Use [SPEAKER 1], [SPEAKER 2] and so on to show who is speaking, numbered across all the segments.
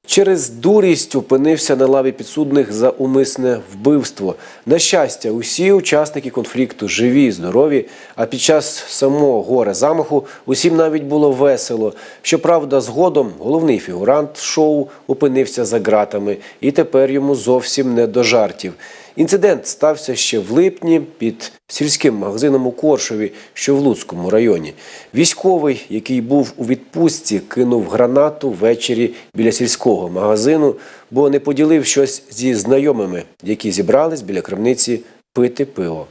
[SPEAKER 1] Через дурість опинився на лаві підсудних за умисне вбивство. На щастя, усі учасники конфлікту живі, здорові, а під час самого горе-замаху усім навіть було весело. Щоправда, згодом головний фігурант шоу опинився за ґратами і тепер йому зовсім не до жартів. Інцидент стався ще в липні під сільським магазином у Коршові, що в Луцькому районі. Військовий, який був у відпустці, кинув гранату ввечері біля сільського магазину, бо не поділив щось зі знайомими, які зібрались біля крамниці пити пиво.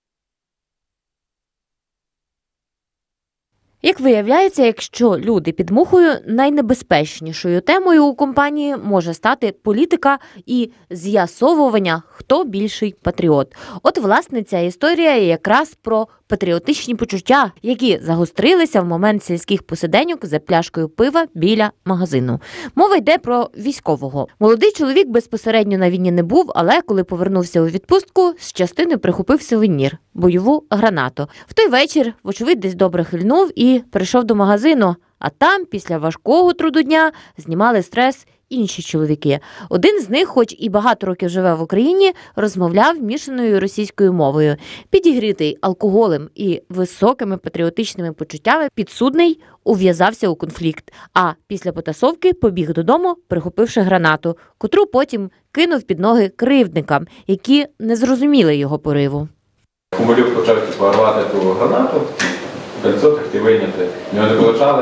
[SPEAKER 2] Як виявляється, якщо люди під мухою, найнебезпечнішою темою у компанії може стати політика і з'ясовування, хто більший патріот. От, власне, ця історія якраз про патріотичні почуття, які загострилися в момент сільських посиденьок за пляшкою пива біля магазину. Мова йде про військового. Молодий чоловік безпосередньо на війні не був, але коли повернувся у відпустку, з частини прихопив сувенір – бойову гранату. В той вечір, вочевидь, десь добре хильнув і прийшов до магазину, а там після важкого труду дня знімали стрес інші чоловіки. Один з них, хоч і багато років живе в Україні, розмовляв мішаною російською мовою. Підігрітий алкоголем і високими патріотичними почуттями, підсудний ув'язався у конфлікт, а після потасовки побіг додому, прихопивши гранату, котру потім кинув під ноги кривдникам, які не зрозуміли його пориву.
[SPEAKER 3] Кумулюк почав рвати ту гранату, кольцо трохи вийняти. В нього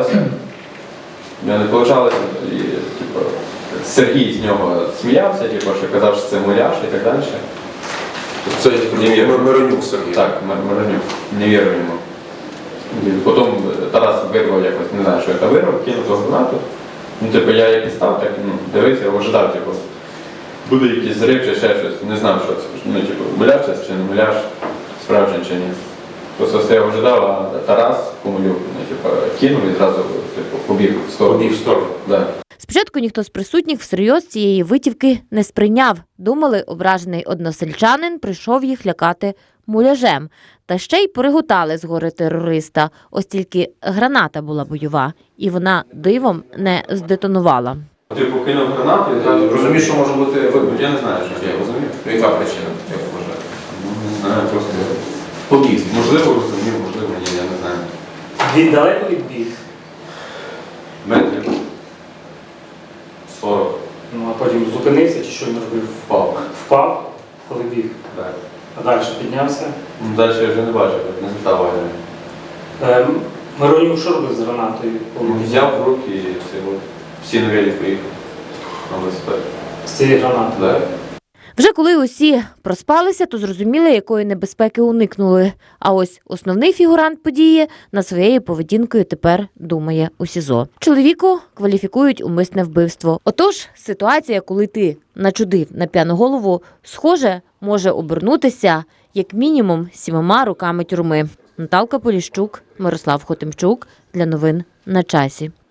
[SPEAKER 3] не вийшло, і Сергій з нього сміявся, що казав, що це муляж і так далі.
[SPEAKER 4] Це Миронюк Сергій.
[SPEAKER 3] Так, Миронюк. Не вірив йому. Потім Тарас вирвав якось, не знаю, що це вирвав, кинув ту гранату. Я як і став, так дивився, ожидав, буде якийсь зрив чи ще щось, не знав, що це. Муляж це чи не муляж, справжній чи ні. Просто стояв, ожидав, а Тарас Кумулюк кинув і зразу побіг в сторону.
[SPEAKER 4] Побіг в сторону.
[SPEAKER 3] Да.
[SPEAKER 2] Спочатку ніхто з присутніх всерйоз цієї витівки не сприйняв. Думали, ображений односельчанин прийшов їх лякати муляжем. Та ще й переготали з гори терориста. Ось тільки граната була бойова, і вона дивом не здетонувала.
[SPEAKER 3] Кинув гранату і зразу...
[SPEAKER 4] Розумієш, що може бути вибух?
[SPEAKER 3] Я не знаю, що я розумію.
[SPEAKER 4] Яка причина, як вважаєш?
[SPEAKER 3] Не знаю, просто
[SPEAKER 4] Побіг.
[SPEAKER 3] можливо розумів, можливо ні, я не знаю.
[SPEAKER 5] Він далеко відбіг?
[SPEAKER 3] Метрів 40.
[SPEAKER 5] Ну, а потім зупинився чи що він робив?
[SPEAKER 3] Впав.
[SPEAKER 5] Впав, коли біг.
[SPEAKER 3] Так.
[SPEAKER 5] А далі піднявся.
[SPEAKER 3] Далі я вже не бачив, не звертав уваги.
[SPEAKER 5] Миронюк що робив з гранатою?
[SPEAKER 3] Взяв в руки і всі на велик поїхав на велосипед.
[SPEAKER 5] З цієї гранати?
[SPEAKER 3] Так.
[SPEAKER 2] Вже коли усі проспалися, то зрозуміли, якої небезпеки уникнули. А ось основний фігурант події над своєю поведінкою тепер думає у СІЗО. Чоловіку кваліфікують умисне вбивство. Отож, ситуація, коли ти начудив на п'яну голову, схоже, може обернутися як мінімум 7 роками тюрми. Наталка Поліщук, Мирослав Хотимчук для новин на часі.